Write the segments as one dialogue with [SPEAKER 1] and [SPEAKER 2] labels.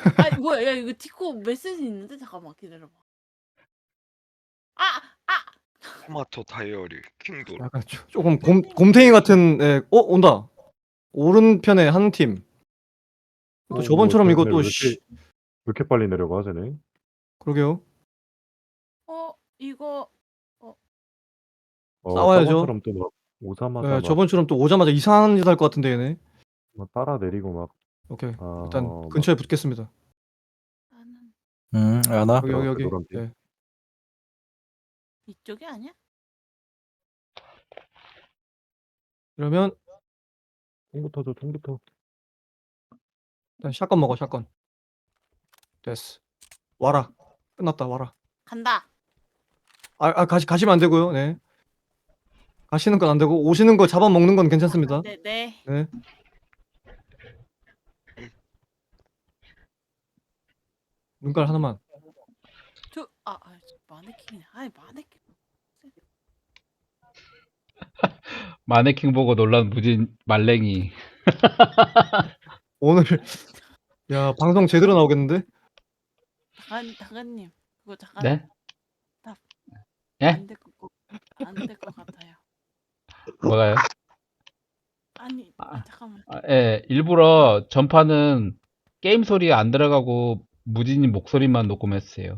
[SPEAKER 1] 아니 뭐야? 야 이거 디코 메시지 있는데 잠깐만 기다려봐. 아! 아!
[SPEAKER 2] 토마토 다이어리 킹돌.
[SPEAKER 3] 약간 조금 곰탱이 같은 온다. 오른편에 한 팀. 또 저번처럼
[SPEAKER 4] 쟤네
[SPEAKER 3] 이거 또
[SPEAKER 4] 왜 이렇게 빨리 내려가 쟤네?
[SPEAKER 3] 그러게요.
[SPEAKER 1] 이거
[SPEAKER 3] 싸워야죠.
[SPEAKER 4] 저번처럼 또 막 오자마자 막
[SPEAKER 3] 저번처럼 또 오자마자 이상한 짓 할 것 같은데 얘네.
[SPEAKER 4] 따라 내리고 막
[SPEAKER 3] 오케이.
[SPEAKER 4] 아,
[SPEAKER 3] 일단
[SPEAKER 4] 막
[SPEAKER 3] 근처에 붙겠습니다.
[SPEAKER 1] 나는
[SPEAKER 5] 안아.
[SPEAKER 3] 여기.
[SPEAKER 4] 노란 빛.
[SPEAKER 3] 네.
[SPEAKER 1] 이쪽이 아니야?
[SPEAKER 3] 그러면
[SPEAKER 4] 총부터 줘, 총부터.
[SPEAKER 3] 일단 샷건 먹어, 샷건. 됐어. 와라. 끝났다, 와라.
[SPEAKER 1] 간다.
[SPEAKER 3] 가시면 안 되고요. 네. 가시는 건 안 되고 오시는 거 잡아먹는 건 괜찮습니다.
[SPEAKER 1] 네.
[SPEAKER 3] 네. 눈깔 하나만.
[SPEAKER 1] 마네킹이네. 아이 마네킹.
[SPEAKER 6] 마네킹 보고 놀란 무진 말랭이.
[SPEAKER 3] 오늘 야 방송 제대로 나오겠는데?
[SPEAKER 1] 다가님 그거 잠깐
[SPEAKER 6] 네? 예?
[SPEAKER 1] 안될 것 같아요.
[SPEAKER 6] 뭐가요?
[SPEAKER 1] 아니 잠깐만.
[SPEAKER 6] 예, 일부러 전파는 게임 소리 안 들어가고 무진님 목소리만 녹음했어요.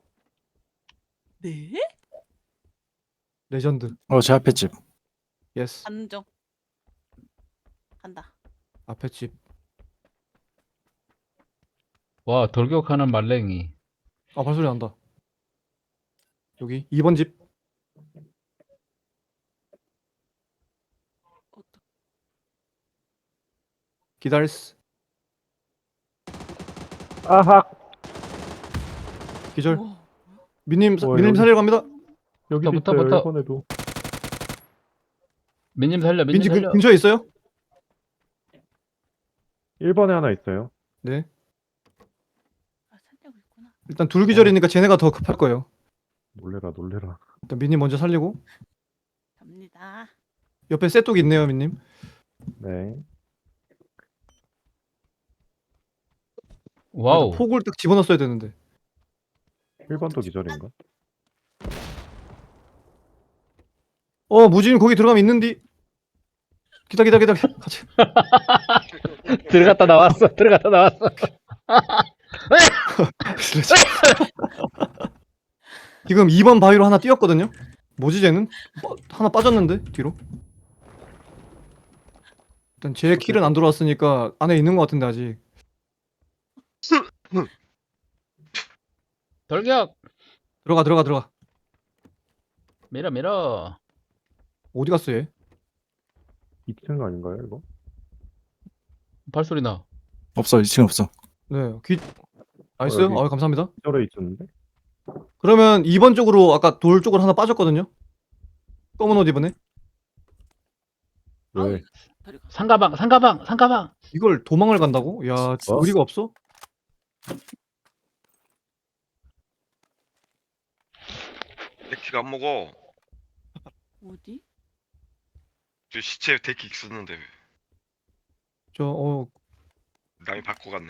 [SPEAKER 1] 네?
[SPEAKER 3] 레전드.
[SPEAKER 5] 제 앞에 집.
[SPEAKER 3] 예스.
[SPEAKER 1] 가는 중. 간다.
[SPEAKER 3] 앞에 집.
[SPEAKER 6] 와, 돌격하는 말랭이.
[SPEAKER 3] 발소리 난다. 여기 2번 집. 기다렸어.
[SPEAKER 4] 아하!
[SPEAKER 3] 기절.
[SPEAKER 1] 우와.
[SPEAKER 3] 민님
[SPEAKER 4] 여기-
[SPEAKER 3] 살리러 갑니다.
[SPEAKER 4] 여기도
[SPEAKER 6] 붙어,
[SPEAKER 4] 있어요,
[SPEAKER 6] 붙어.
[SPEAKER 4] 일본에도.
[SPEAKER 6] 민님 살려, 민님
[SPEAKER 3] 민지
[SPEAKER 6] 살려.
[SPEAKER 3] 근처에 있어요?
[SPEAKER 4] 1번에 하나 있어요.
[SPEAKER 3] 네.
[SPEAKER 1] 살려고 있구나.
[SPEAKER 3] 일단 둘 기절이니까 쟤네가 더 급할 거예요.
[SPEAKER 4] 놀래라.
[SPEAKER 3] 일단 민님 먼저 살리고
[SPEAKER 1] 갑니다.
[SPEAKER 3] 옆에 쇠독이 있네요, 민님.
[SPEAKER 4] 네.
[SPEAKER 6] 와우.
[SPEAKER 3] 폭을 딱 집어넣었어야 되는데.
[SPEAKER 4] 1번도 기절인가?
[SPEAKER 3] 무진 거기 들어가면 있는디. 기다려. 같이.
[SPEAKER 6] 들어갔다 나왔어.
[SPEAKER 3] 지금 2번 바위로 하나 뛰었거든요. 뭐지 쟤는? 하나 빠졌는데 뒤로. 일단 제 킬은 안 들어왔으니까 안에 있는 것 같은데 아직.
[SPEAKER 6] 돌격!
[SPEAKER 3] 들어가.
[SPEAKER 6] 밀어.
[SPEAKER 3] 어디 갔어 얘?
[SPEAKER 4] 2층 아닌가요, 이거?
[SPEAKER 6] 발소리 나.
[SPEAKER 5] 없어. 2층 없어.
[SPEAKER 3] 네. 나이스.
[SPEAKER 4] 여기.
[SPEAKER 3] 감사합니다.
[SPEAKER 4] 기절에 있었는데?
[SPEAKER 3] 그러면 2번 쪽으로 아까 돌 쪽으로 하나 빠졌거든요. 검은 옷 입은 애.
[SPEAKER 4] 왜?
[SPEAKER 6] 상가방.
[SPEAKER 3] 이걸 도망을 간다고? 야, 의리가 없어?
[SPEAKER 2] 데키가 안 먹어.
[SPEAKER 1] 어디?
[SPEAKER 2] 저 시체 데키 있었는데
[SPEAKER 3] 저
[SPEAKER 2] 남이 바꿔 갔네.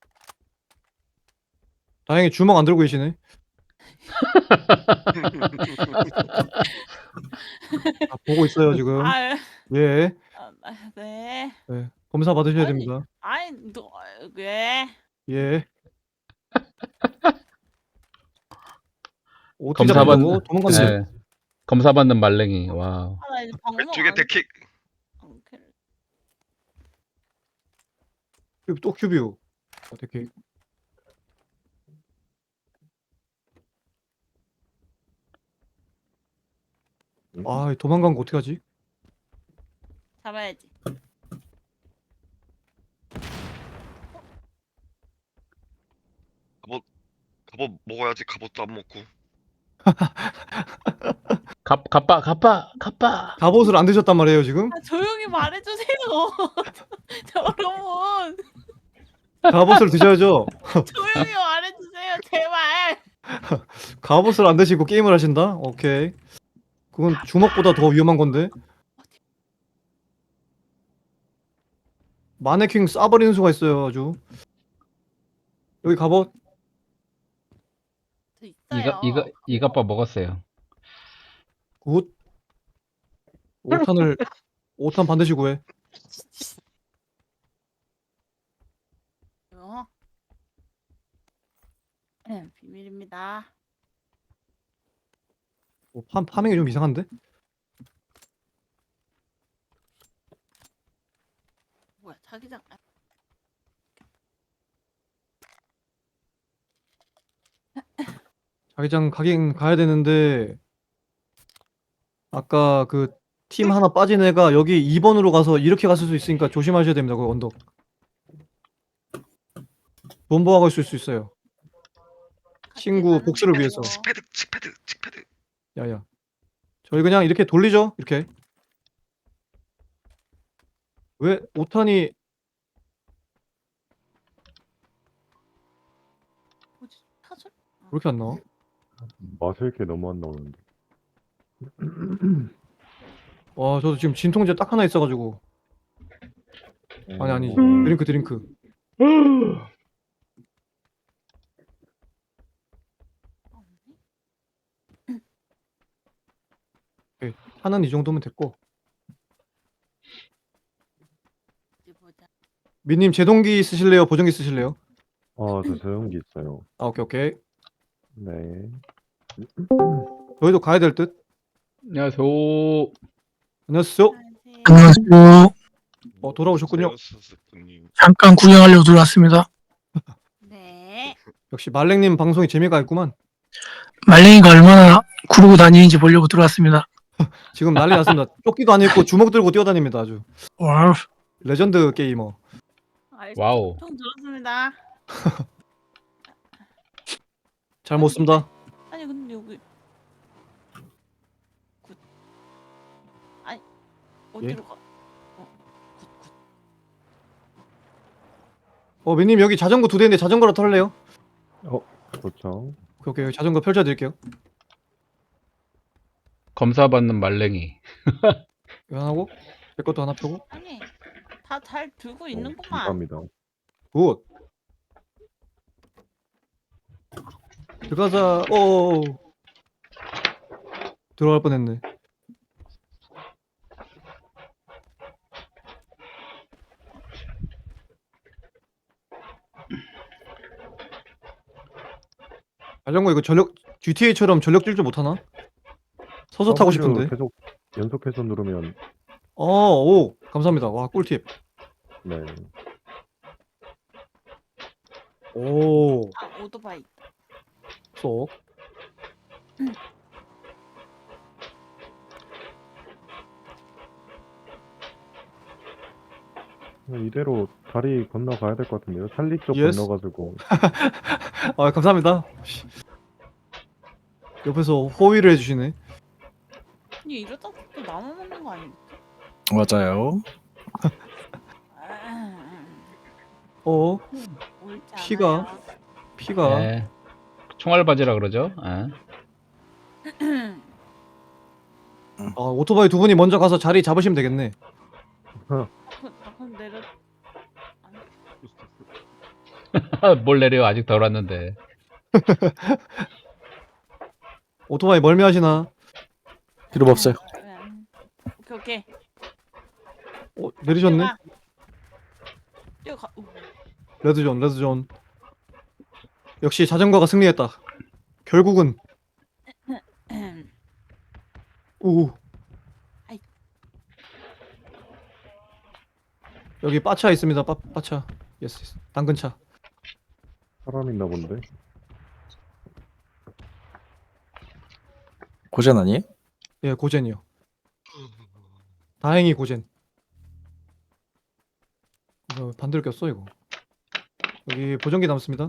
[SPEAKER 3] 다행히 주먹 안 들고 계시네. 보고 있어요 지금. 예.
[SPEAKER 1] 네.
[SPEAKER 3] 네. 검사 받으셔야
[SPEAKER 1] 아니.
[SPEAKER 3] 됩니다.
[SPEAKER 1] 아이 너 왜?
[SPEAKER 3] 예. 어떻게
[SPEAKER 6] 검사
[SPEAKER 3] 잡는다고?
[SPEAKER 6] 받는.
[SPEAKER 3] 도망갔네.
[SPEAKER 6] 네. 검사 받는 말랭이. 와.
[SPEAKER 1] 나 이제 방송
[SPEAKER 2] 왼쪽에 데키.
[SPEAKER 3] 또 큐비오. 어떻게? 도망간 거 어떡하지?
[SPEAKER 1] 잡아야지.
[SPEAKER 2] 갑옷 먹어야지. 갑옷도 안 먹고.
[SPEAKER 6] 갑바.
[SPEAKER 3] 갑옷을 안 드셨단 말이에요 지금?
[SPEAKER 1] 조용히 말해주세요. 여러분
[SPEAKER 3] 갑옷을 드셔야죠.
[SPEAKER 1] 조용히 말해주세요 제발.
[SPEAKER 3] 갑옷을 안 드시고 게임을 하신다? 오케이. 그건 주먹보다 더 위험한 건데. 마네킹 쏴버리는 수가 있어요 아주. 여기 갑옷.
[SPEAKER 1] 저 있어요.
[SPEAKER 6] 이갑밥 먹었어요.
[SPEAKER 3] 굿. 5탄 반드시 구해.
[SPEAKER 1] 이거. 비밀입니다.
[SPEAKER 3] 파밍이 좀 이상한데?
[SPEAKER 1] 뭐야 자기장.
[SPEAKER 3] 자기장 가긴 가야 되는데 아까 그 팀 하나 빠진 애가 여기 2번으로 가서 이렇게 갔을 수 있으니까 조심하셔야 됩니다. 그 언덕. 본보하고 있을 수 있어요. 친구 복수를 위해서.
[SPEAKER 2] 칙패드.
[SPEAKER 3] 야야. 저희 그냥 이렇게 돌리죠. 이렇게. 왜 5탄이
[SPEAKER 1] 뭐지? 타설?
[SPEAKER 3] 왜 이렇게 안 나와?
[SPEAKER 4] 맛을 게 너무 안 나오는데.
[SPEAKER 3] 와, 저도 지금 진통제 딱 하나 있어가지고. 아니지. 드링크. 오케이. 하나는 이 정도면 됐고.
[SPEAKER 1] 어디 보자.
[SPEAKER 3] 민님 제동기 쓰실래요? 보정기 쓰실래요?
[SPEAKER 4] 저 조용기 있어요.
[SPEAKER 3] 아, 오케이.
[SPEAKER 4] 네.
[SPEAKER 3] 저희도 가야 될 듯.
[SPEAKER 6] 안녕하세요.
[SPEAKER 3] 안녕하세요.
[SPEAKER 5] 안녕하세요.
[SPEAKER 3] 돌아오셨군요.
[SPEAKER 2] 스스님.
[SPEAKER 5] 잠깐 구경하려고 들어왔습니다.
[SPEAKER 1] 네.
[SPEAKER 3] 역시 말랭님 방송이 재미가 있구만.
[SPEAKER 5] 말랭이가 얼마나 구르고 다니는지 보려고 들어왔습니다.
[SPEAKER 3] 지금 난리 났습니다. 조끼도 안 입고 주먹 들고 뛰어다닙니다. 아주
[SPEAKER 5] 와우.
[SPEAKER 3] 레전드 게이머.
[SPEAKER 6] 와우.
[SPEAKER 1] 총 들었습니다.
[SPEAKER 3] 잘 못 씁니다.
[SPEAKER 1] 아니 근데 여기 굿. 아니 어디로 가? 굿.
[SPEAKER 3] 민님 여기 자전거 2대인데 자전거로 털래요?
[SPEAKER 4] 그렇죠.
[SPEAKER 3] 오케이. 자전거 펼쳐드릴게요.
[SPEAKER 6] 검사받는 말랭이.
[SPEAKER 3] 이거 하나 하고 제 것도 하나 펴고.
[SPEAKER 1] 아니 다 잘 들고 있는구만.
[SPEAKER 4] 감사합니다.
[SPEAKER 3] 굿. 들어가자. 들어갈 뻔했네. 자전거 이거 GTA처럼 전력 질주 못하나? 서서 타고 싶은데.
[SPEAKER 4] 계속 연속해서 누르면
[SPEAKER 3] 오, 감사합니다. 와, 꿀팁.
[SPEAKER 4] 네.
[SPEAKER 3] 오,
[SPEAKER 1] 아 오토바이.
[SPEAKER 3] 쏙.
[SPEAKER 4] 이대로 다리 건너가야 될 것 같은데요. 살리 쪽
[SPEAKER 3] Yes.
[SPEAKER 4] 건너가지고
[SPEAKER 3] 아, 감사합니다. 옆에서 호의를 해주시네.
[SPEAKER 1] 아니 이러다 또 나무 먹는 거 아니겠지?
[SPEAKER 7] 맞아요.
[SPEAKER 1] 옳지
[SPEAKER 3] 피가.
[SPEAKER 1] 않아요.
[SPEAKER 3] 피가.
[SPEAKER 6] 네. 총알바지라 그러죠.
[SPEAKER 3] 오토바이 2분이 먼저 가서 자리 잡으시면 되겠네.
[SPEAKER 1] 그럼 내려.
[SPEAKER 6] 뭘 내려 아직 덜 왔는데.
[SPEAKER 3] 오토바이 멀미하시나?
[SPEAKER 7] 필요 없어요.
[SPEAKER 1] 오케이.
[SPEAKER 3] 내리셨네?
[SPEAKER 1] 뛰어가.
[SPEAKER 3] 레드존. 역시 자전거가 승리했다. 결국은. 오.
[SPEAKER 1] 아이.
[SPEAKER 3] 여기 빠차 있습니다. 빠차. 예스. 당근차.
[SPEAKER 4] 사람 있나 본데.
[SPEAKER 7] 고전 아니에요?
[SPEAKER 3] 예, 고젠이요. 다행히 고젠. 반대로 꼈어 이거. 여기 보정기 남습니다.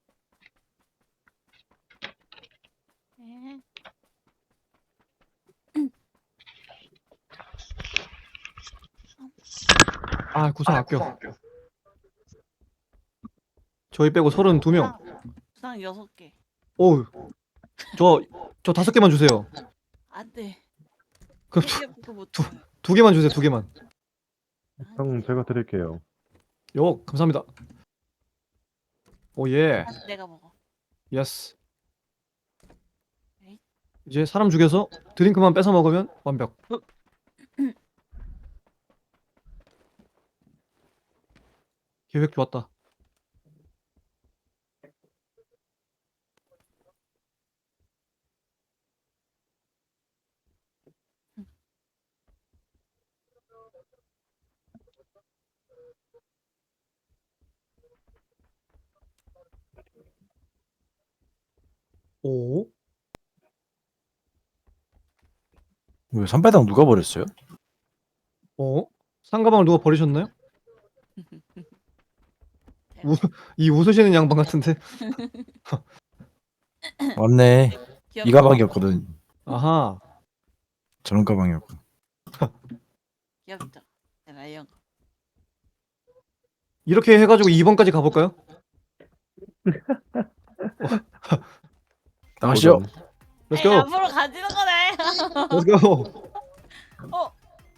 [SPEAKER 1] 네.
[SPEAKER 3] 구상 아껴. 저희 빼고 32명.
[SPEAKER 1] 부상 6개.
[SPEAKER 3] 오, 저 5개만 주세요.
[SPEAKER 1] 안돼.
[SPEAKER 3] 그럼
[SPEAKER 1] 그거 못.
[SPEAKER 3] 2개만 주세요. 2개만.
[SPEAKER 4] 형 제가 드릴게요.
[SPEAKER 3] 감사합니다. 오예.
[SPEAKER 1] 내가 먹어.
[SPEAKER 3] 예스.
[SPEAKER 1] 에잇.
[SPEAKER 3] 이제 사람 죽여서 드링크만 뺏어 먹으면 완벽. 계획 좋았다. 오?
[SPEAKER 7] 왜 선배당 누가 버렸어요?
[SPEAKER 3] 어? 상가방을 누가 버리셨나요? 이 웃으시는 양반 같은데.
[SPEAKER 7] 맞네.
[SPEAKER 1] 귀엽다.
[SPEAKER 7] 이 가방이었거든.
[SPEAKER 3] 아하.
[SPEAKER 7] 저런 가방이었거든.
[SPEAKER 1] 귀엽죠. 라이언.
[SPEAKER 3] 이렇게 해가지고 2번까지 가볼까요?
[SPEAKER 7] 나가시죠.
[SPEAKER 3] Let's
[SPEAKER 1] 에이,
[SPEAKER 3] go.
[SPEAKER 1] 앞으로 가지는 거네.
[SPEAKER 3] Let's go.
[SPEAKER 1] 어.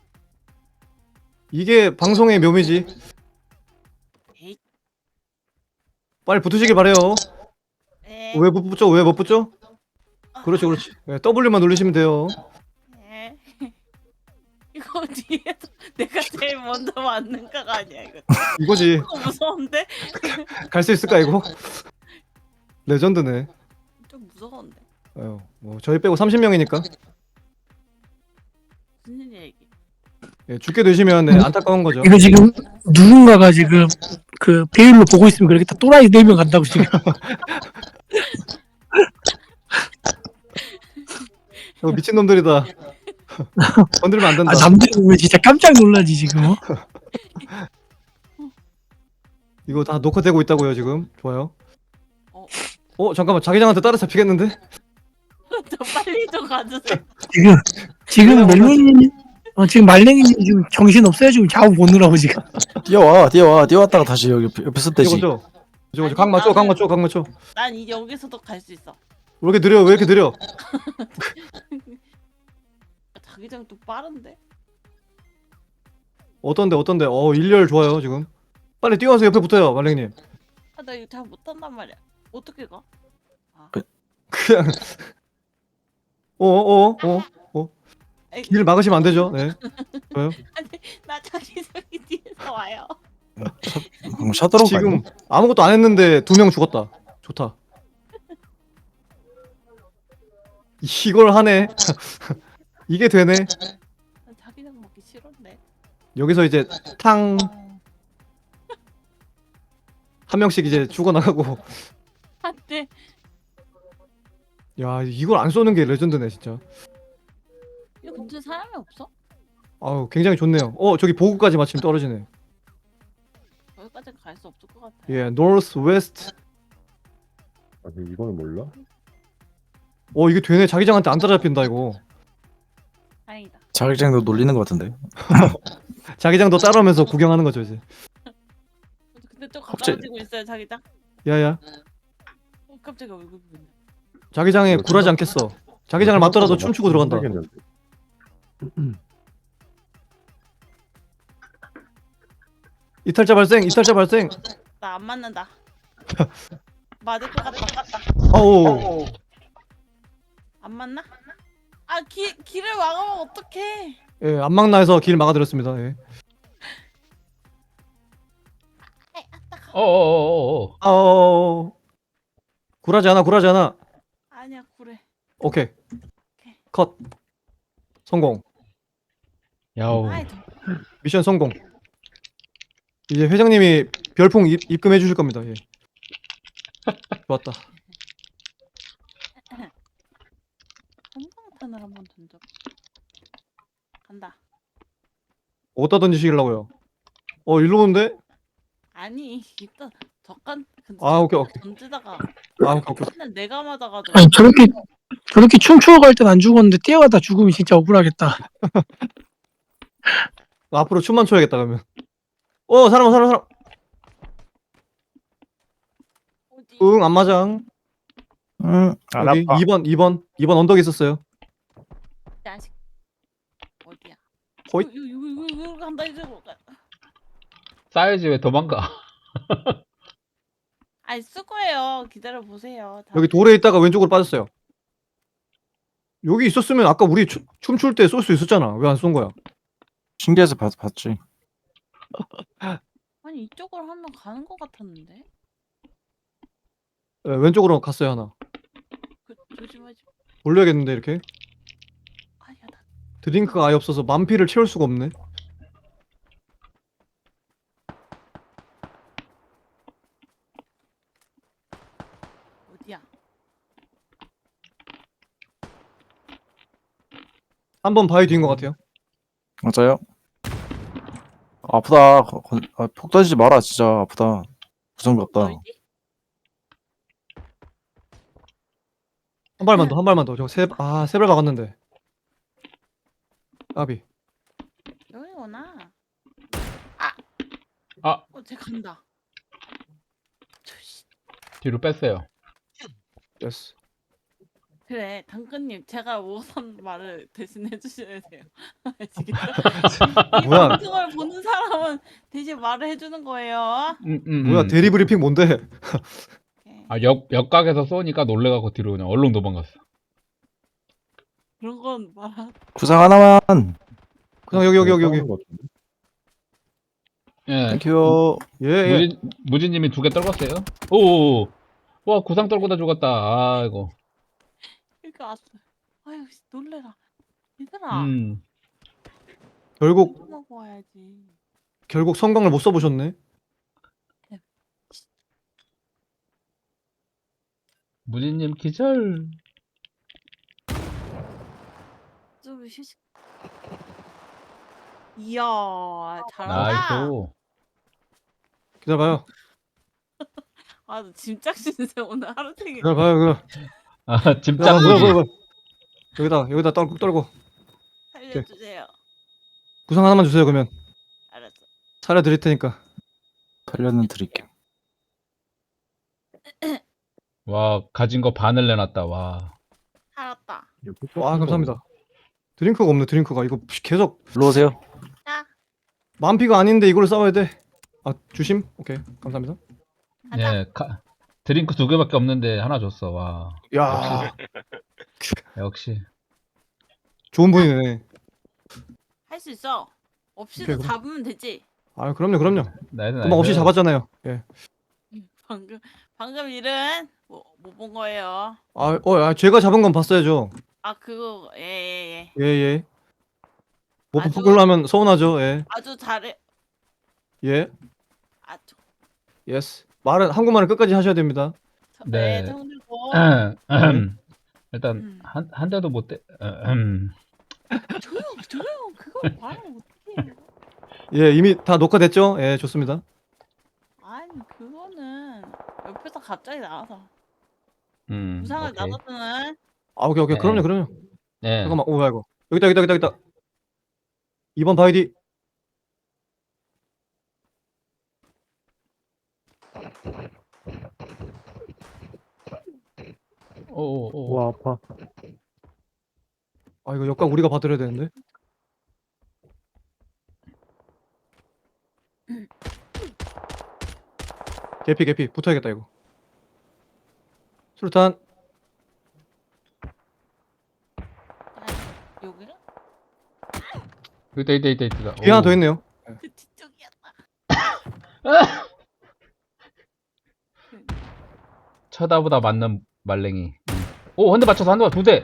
[SPEAKER 3] 이게 방송의 묘미지.
[SPEAKER 1] 에이.
[SPEAKER 3] 빨리 붙으시길 바래요.
[SPEAKER 1] 에.
[SPEAKER 3] 왜 못 붙죠? 왜 못 붙죠? 그렇지, 그렇지. 네, W만 누르시면 돼요.
[SPEAKER 1] 에. 이거 뒤에서 내가 제일 먼저 맞는가가 아니야 이거.
[SPEAKER 3] 이거지.
[SPEAKER 1] 이거 무서운데?
[SPEAKER 3] 갈 수 있을까 이거? 레전드네.
[SPEAKER 1] 좀 무서운데.
[SPEAKER 3] 아유, 뭐 저희 빼고 30명이니까.
[SPEAKER 1] 무슨 일이야 이게?
[SPEAKER 3] 예, 죽게 되시면 네, 안타까운 거죠.
[SPEAKER 5] 이거 지금 누군가가 지금 그 배율로 보고 있으면 그렇겠다. 또라이 4명 간다고 지금.
[SPEAKER 3] 이거 미친 놈들이다. 건들면 안 된다.
[SPEAKER 5] 아 남들 보면 진짜 깜짝 놀라지 지금. 어?
[SPEAKER 3] 이거 다 녹화되고 있다고요 지금. 좋아요.
[SPEAKER 1] 어.
[SPEAKER 3] 잠깐만 자기장한테 따라잡히겠는데?
[SPEAKER 1] 저 빨리 좀 가주세요.
[SPEAKER 5] 지금 멜론이 지금 말랭이님 지금 정신 없어요 지금 좌우 보느라고 지금.
[SPEAKER 7] 뛰어왔다가 다시 여기 옆에 섰대지.
[SPEAKER 3] 이거죠. 저거 각 맞춰, 각 맞춰, 각 맞춰.
[SPEAKER 1] 난 이제 여기서도 갈 수 있어.
[SPEAKER 3] 왜 이렇게 느려? 왜 이렇게 느려?
[SPEAKER 1] 자기장 또 빠른데?
[SPEAKER 3] 어떤데? 일렬 좋아요 지금. 빨리 뛰어와서 옆에 붙어요 말랭님.
[SPEAKER 1] 아, 나 이거 잘 못한단 말이야. 어떻게 가?
[SPEAKER 3] 그냥
[SPEAKER 1] 에이,
[SPEAKER 3] 길 막으시면 안 되죠. 네. 좋아요.
[SPEAKER 1] 나 자기장이 뒤에서 와요.
[SPEAKER 7] 샷도록
[SPEAKER 3] 지금 아무것도 안 했는데 2명 죽었다. 좋다. 이걸 하네. 이게 되네.
[SPEAKER 1] 나 자기장 먹기 싫은데.
[SPEAKER 3] 여기서 이제 탕 한 명씩 이제 죽어나가고.
[SPEAKER 1] 안돼.
[SPEAKER 3] 야 이걸 안 쏘는 게 레전드네 진짜.
[SPEAKER 1] 이 근처에 사람이 없어?
[SPEAKER 3] 아우 굉장히 좋네요. 저기 보급까지 마침 떨어지네.
[SPEAKER 1] 거기까지 갈 수 없을 것 같아.
[SPEAKER 3] 예, north west.
[SPEAKER 4] 아니 이거는 몰라?
[SPEAKER 3] 이게 되네. 자기장한테 안 따라잡힌다 이거.
[SPEAKER 1] 다행이다.
[SPEAKER 7] 자격증도 놀리는 것 같은데.
[SPEAKER 3] 자기장도 따라오면서 구경하는 거죠 이제.
[SPEAKER 1] 근데 좀
[SPEAKER 7] 갑자기-
[SPEAKER 1] 가까워지고 있어요 자기장.
[SPEAKER 3] 야야.
[SPEAKER 1] 깜짝이야 얼굴 보이네.
[SPEAKER 3] 자기장에 굴하지 않겠어. 자기장을 맞더라도 춤추고 들어간다.
[SPEAKER 4] 모르겠는데.
[SPEAKER 3] 이탈자 발생.
[SPEAKER 1] 나 안 맞는다. 맞을 것 같다.
[SPEAKER 3] 아우.
[SPEAKER 1] 안 맞나? 아 길을 막으면 어떡해?
[SPEAKER 3] 예, 안막나에서 길 막아드렸습니다. 예.
[SPEAKER 6] 어어어어어.
[SPEAKER 3] 굴하지 않아.
[SPEAKER 1] 아니야 그래.
[SPEAKER 3] 오케이. 컷. 성공.
[SPEAKER 6] 야우.
[SPEAKER 1] 아이
[SPEAKER 3] 미션 성공. 이제 회장님이 별풍 입금해 주실 겁니다. 예. 좋았다.
[SPEAKER 1] 한방탄을 한번 던져. 간다.
[SPEAKER 3] 어디다 던지시려고요? 일로 오는데?
[SPEAKER 1] 아니 일단 적간
[SPEAKER 3] 오케이.
[SPEAKER 1] 던지다가
[SPEAKER 3] 오케이.
[SPEAKER 1] 맨날 내가 맞아가지고.
[SPEAKER 5] 아니 저렇게 춤추어 갈 땐 안 죽었는데 뛰어가다 죽으면 진짜 억울하겠다.
[SPEAKER 3] 앞으로 춤만 춰야겠다 그러면. 사람.
[SPEAKER 1] 어디?
[SPEAKER 3] 응, 안 맞아.
[SPEAKER 7] 안
[SPEAKER 3] 여기
[SPEAKER 7] 아파.
[SPEAKER 3] 2번 언덕에 있었어요.
[SPEAKER 1] 자식. 어디야?
[SPEAKER 3] 호잇.
[SPEAKER 1] 이거 간다 이제.
[SPEAKER 6] 싸야지 왜 도망가?
[SPEAKER 1] 아니 쓸 거예요. 기다려 보세요.
[SPEAKER 3] 여기 돌에 있다가 왼쪽으로 빠졌어요. 여기 있었으면 아까 우리 춤출 때 쏠 수 있었잖아. 왜 안 쏜 거야?
[SPEAKER 7] 신기해서 봤지.
[SPEAKER 1] 아니 이쪽으로 한 명 가는 것 같았는데.
[SPEAKER 3] 네, 왼쪽으로 갔어요 하나.
[SPEAKER 1] 조심하지.
[SPEAKER 3] 올려야겠는데 이렇게.
[SPEAKER 1] 아니야 나
[SPEAKER 3] 드링크가 아예 없어서 만피를 채울 수가 없네.
[SPEAKER 1] 어디야?
[SPEAKER 3] 한 번 바위 뒤인 것 같아요.
[SPEAKER 7] 맞아요? 아프다. 폭 던지지 마라. 진짜 아프다. 부정이 없다.
[SPEAKER 1] 어디지?
[SPEAKER 3] 한 발만 더, 한 발만 더. 세 발 박았는데. 아비.
[SPEAKER 1] 여기구나.
[SPEAKER 6] 아.
[SPEAKER 1] 쟤 간다. 저씨.
[SPEAKER 6] 뒤로 뺐어요.
[SPEAKER 3] 예스.
[SPEAKER 1] 그래, 당근님, 제가 우선 말을 대신 해주셔야 돼요. 아시겠죠? 이
[SPEAKER 3] 뭐야?
[SPEAKER 1] 방송을 보는 사람은 대신 말을 해주는 거예요.
[SPEAKER 3] 뭐야 대리 브리핑 뭔데?
[SPEAKER 1] 네.
[SPEAKER 6] 아, 역각에서 쏘니까 놀래갖고 뒤로 그냥 얼른 도망갔어.
[SPEAKER 1] 그런 건 말하.
[SPEAKER 7] 구상 하나만.
[SPEAKER 3] 그냥 여기.
[SPEAKER 4] 싸우는 것 같은데?
[SPEAKER 6] 예.
[SPEAKER 7] 땡큐.
[SPEAKER 3] 예.
[SPEAKER 6] 무진님이 2개 떨궜어요. 오, 와 구상 떨고다 죽었다. 아이고.
[SPEAKER 1] 이렇게 왔어. 아유, 놀래라. 얘들아.
[SPEAKER 3] 결국
[SPEAKER 1] 먹고 와야지.
[SPEAKER 3] 성광을 못 써보셨네.
[SPEAKER 6] 무진님 기절.
[SPEAKER 1] 좀 휴식. 이야, 잘한다.
[SPEAKER 6] 나이스.
[SPEAKER 3] 기다려봐요.
[SPEAKER 1] 아, 너 짐짝 신세 오늘 하루 종일.
[SPEAKER 3] 기다려봐요. 그럼.
[SPEAKER 6] 아, 짐짝무지.
[SPEAKER 3] 여기다 꾹 떨고.
[SPEAKER 1] 살려주세요.
[SPEAKER 3] 구상 하나만 주세요. 그러면
[SPEAKER 1] 알았어.
[SPEAKER 3] 살려드릴 테니까.
[SPEAKER 7] 살려는 드릴게요.
[SPEAKER 6] 와, 가진 거 반을 내놨다. 와.
[SPEAKER 1] 살았다.
[SPEAKER 3] 와 감사합니다. 드링크가 없네. 드링크가 이거 계속
[SPEAKER 7] 일로 오세요.
[SPEAKER 3] 만피가 아닌데 이걸 싸워야 돼. 아 주심? 오케이 감사합니다.
[SPEAKER 1] 가자.
[SPEAKER 6] 예, 드링크 2개밖에 없는데 하나 줬어. 와.
[SPEAKER 3] 야
[SPEAKER 6] 역시.
[SPEAKER 3] 좋은 분이네.
[SPEAKER 1] 할 수 있어. 없이도
[SPEAKER 3] 오케이, 그럼.
[SPEAKER 1] 잡으면 되지.
[SPEAKER 3] 아 그럼요.
[SPEAKER 6] 나이스.
[SPEAKER 3] 금방 없이 잡았잖아요. 예.
[SPEAKER 1] 방금 일은 뭐 본 거예요.
[SPEAKER 3] 제가 잡은 건 봤어야죠.
[SPEAKER 1] 아 그거 예.
[SPEAKER 3] 예. 못
[SPEAKER 1] 아주-
[SPEAKER 3] 보걸로 하면 서운하죠. 예.
[SPEAKER 1] 아주 잘해.
[SPEAKER 3] 예.
[SPEAKER 1] 아주.
[SPEAKER 3] 예스. 한국말은 끝까지 하셔야 됩니다.
[SPEAKER 6] 네.
[SPEAKER 1] 정들고.
[SPEAKER 6] 일단 한 대도 못 대.
[SPEAKER 1] 조용. 그걸 말하면 어떡해.
[SPEAKER 3] 예, 이미 다 녹화됐죠? 예, 좋습니다.
[SPEAKER 1] 아니 그거는 옆에서 갑자기 나와서
[SPEAKER 6] 오케이.
[SPEAKER 1] 부상을 나눴다는.
[SPEAKER 3] 아, 오케이.
[SPEAKER 6] 네.
[SPEAKER 3] 그럼요.
[SPEAKER 6] 네.
[SPEAKER 3] 잠깐만. 오, 아이고. 여기다. 2번 바이디.
[SPEAKER 6] 오.
[SPEAKER 4] 와, 아파.
[SPEAKER 3] 아, 이거 역각 우리가 받으려야 되는데. 개피. 붙어야겠다, 이거. 수류탄.
[SPEAKER 1] 여기를?
[SPEAKER 6] 있다.
[SPEAKER 3] 뒤에 하나 더 있네요.
[SPEAKER 1] 그 뒤쪽이었다.
[SPEAKER 6] 쳐다보다 맞는 말랭이. 오, 한 대 맞춰서 2대.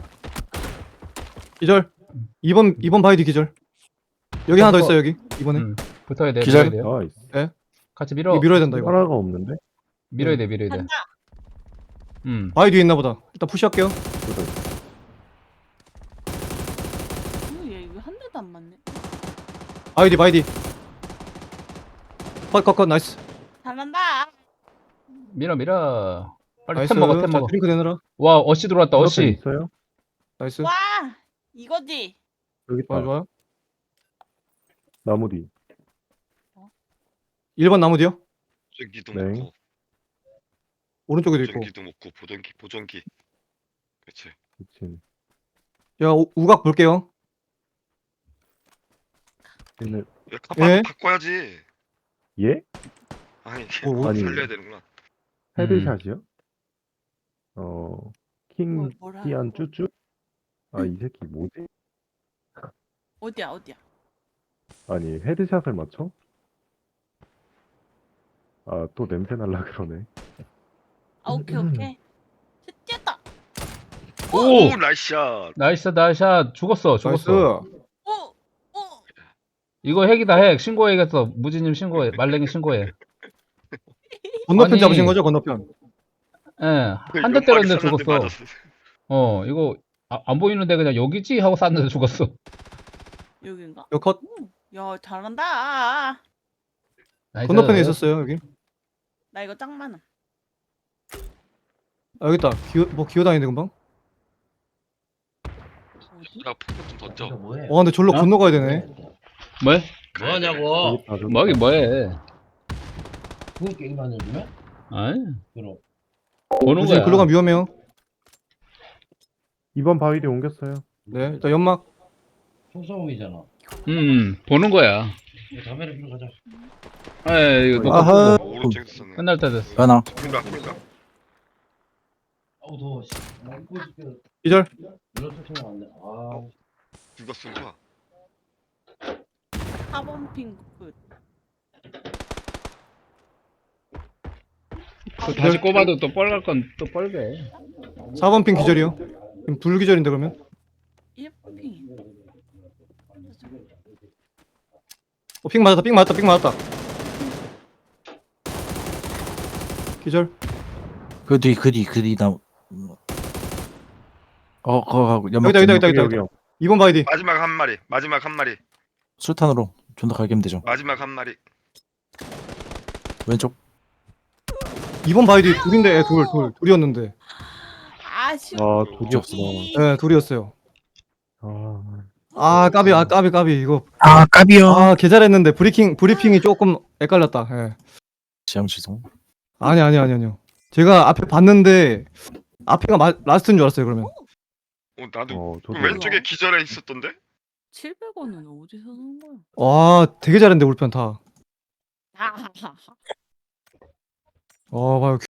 [SPEAKER 3] 기절. 2번 바이디 기절. 여기 하나 더 있어요, 여기. 이번에.
[SPEAKER 6] 붙어야 돼.
[SPEAKER 7] 기절?
[SPEAKER 6] 밀어야 돼요.
[SPEAKER 4] 나이스.
[SPEAKER 6] 같이 밀어.
[SPEAKER 3] 이거 밀어야 된다, 이거.
[SPEAKER 4] 하나가 없는데?
[SPEAKER 6] 밀어야 돼.
[SPEAKER 1] 간다.
[SPEAKER 3] 바위 뒤에 있나 보다. 일단 푸시할게요.
[SPEAKER 1] 얘 이거 한 대도 안 맞네.
[SPEAKER 3] 바이디. 컷. 나이스.
[SPEAKER 1] 잘한다.
[SPEAKER 6] 밀어. 빨리
[SPEAKER 3] 나이스.
[SPEAKER 6] 템 먹어.
[SPEAKER 3] 자, 드링크 내느라.
[SPEAKER 6] 와, 어시 들어왔다.
[SPEAKER 4] 옆에
[SPEAKER 6] 어시.
[SPEAKER 4] 있어요?
[SPEAKER 3] 나이스.
[SPEAKER 1] 와 이거지.
[SPEAKER 4] 여기 있다.
[SPEAKER 3] 좋아요.
[SPEAKER 4] 나무 뒤.
[SPEAKER 3] 1번 나무 뒤요.
[SPEAKER 2] 보정기도
[SPEAKER 4] 네.
[SPEAKER 2] 먹고
[SPEAKER 3] 오른쪽에도 있고.
[SPEAKER 2] 보정기도 먹고 보정기. 그렇지.
[SPEAKER 4] 미친.
[SPEAKER 3] 야, 우각 볼게요.
[SPEAKER 4] 얘네,
[SPEAKER 3] 예?
[SPEAKER 2] 바꿔야지.
[SPEAKER 4] 예?
[SPEAKER 2] 아니
[SPEAKER 3] 뭐,
[SPEAKER 2] 살려야 되는구나.
[SPEAKER 4] 헤드샷이요? 킹
[SPEAKER 1] 뭐라
[SPEAKER 4] 티안 쭈쭈? 아, 이 새끼 뭐지?
[SPEAKER 1] 어디야?
[SPEAKER 4] 아니, 헤드샷을 맞춰? 아, 또 냄새 날라 그러네.
[SPEAKER 1] 아 오케이. 뛰었다.
[SPEAKER 6] 오!
[SPEAKER 2] 오 나이스샷.
[SPEAKER 6] 나이스, 나이스. 죽었어.
[SPEAKER 3] 나이스.
[SPEAKER 1] 오.
[SPEAKER 6] 이거 핵이다, 핵. 신고해야겠어. 무지님 신고해. 말랭이 신고해.
[SPEAKER 3] 건너편
[SPEAKER 6] 아니.
[SPEAKER 3] 잡으신 거죠? 건너편.
[SPEAKER 6] 예. 한 대 때렸는데
[SPEAKER 2] 연막이 쐈는데
[SPEAKER 6] 죽었어.
[SPEAKER 2] 맞았어.
[SPEAKER 6] 이거 안 보이는데 그냥 여기지? 하고 쐈는데 죽었어.
[SPEAKER 1] 여긴가?
[SPEAKER 3] 여 컷.
[SPEAKER 1] 야 잘한다.
[SPEAKER 6] 나이스.
[SPEAKER 3] 건너편에 있었어요 여기.
[SPEAKER 1] 나 이거 짱 많아.
[SPEAKER 3] 아, 여기 있다. 기어다니는 금방.
[SPEAKER 1] 어디?
[SPEAKER 2] 야 폭탄 좀 던져.
[SPEAKER 3] 근데 졸로
[SPEAKER 6] 어?
[SPEAKER 3] 건너가야 되네.
[SPEAKER 6] 뭐해?
[SPEAKER 2] 뭐하냐고.
[SPEAKER 4] 여기 다 줬다.
[SPEAKER 6] 뭐하긴 뭐해.
[SPEAKER 8] 그거 게임하는 중이야?
[SPEAKER 6] 아이.
[SPEAKER 8] 그럼
[SPEAKER 6] 보는
[SPEAKER 3] 무지
[SPEAKER 6] 거야.
[SPEAKER 3] 글로 가면 위험해요.
[SPEAKER 4] 2번 바위에 옮겼어요.
[SPEAKER 3] 네, 일단 연막.
[SPEAKER 8] 총싸움이잖아.
[SPEAKER 6] 보는 거야.
[SPEAKER 8] 이거 담배를 피러 가자.
[SPEAKER 6] 이거 녹화
[SPEAKER 3] 아하.
[SPEAKER 2] 오른쪽에서 쏘네.
[SPEAKER 6] 끝날 때 됐어.
[SPEAKER 7] 변화.
[SPEAKER 2] 그러니까.
[SPEAKER 8] 아우 더워. 씨. 나 입고 있을게.
[SPEAKER 3] 기절.
[SPEAKER 8] 이런 소리가 안 나. 아,
[SPEAKER 2] 누가 쏜 거야?
[SPEAKER 1] 4번 핑크.
[SPEAKER 6] 다시 꼽아도 또 뻘갈 건 또 뻘게.
[SPEAKER 3] 4번 핑 기절이요. 지금 불기절인데 그러면.
[SPEAKER 1] 1번 핑.
[SPEAKER 3] 핑 맞았다. 핑 맞았다. 기절.
[SPEAKER 7] 그 뒤 나. 거하고 연막.
[SPEAKER 3] 여기다.
[SPEAKER 4] 여기요.
[SPEAKER 3] 2번 바이디.
[SPEAKER 2] 마지막 한 마리.
[SPEAKER 7] 술탄으로 좀 더 갈기면 되죠.
[SPEAKER 2] 마지막 한 마리.
[SPEAKER 7] 왼쪽.
[SPEAKER 3] 2번 바이디 둘인데 둘이었는데.
[SPEAKER 1] 아쉬워.
[SPEAKER 4] 아, 독이 없어.
[SPEAKER 3] 네, 둘이었어요.
[SPEAKER 4] 아,
[SPEAKER 3] 까비 이거.
[SPEAKER 5] 아, 까비요.
[SPEAKER 3] 개 잘했는데 브리핑이 조금 헷갈렸다. 예.
[SPEAKER 7] 지향 취소.
[SPEAKER 3] 아니요. 제가 앞에 봤는데 앞에가 라스트인 줄 알았어요. 그러면.
[SPEAKER 2] 나도
[SPEAKER 4] 저도.
[SPEAKER 2] 왼쪽에 기절해 있었던데?
[SPEAKER 1] 700원은 어디서 산 거야?
[SPEAKER 3] 와, 되게 잘했는데 우리 편 다.
[SPEAKER 1] 하하하.
[SPEAKER 3] 봐요.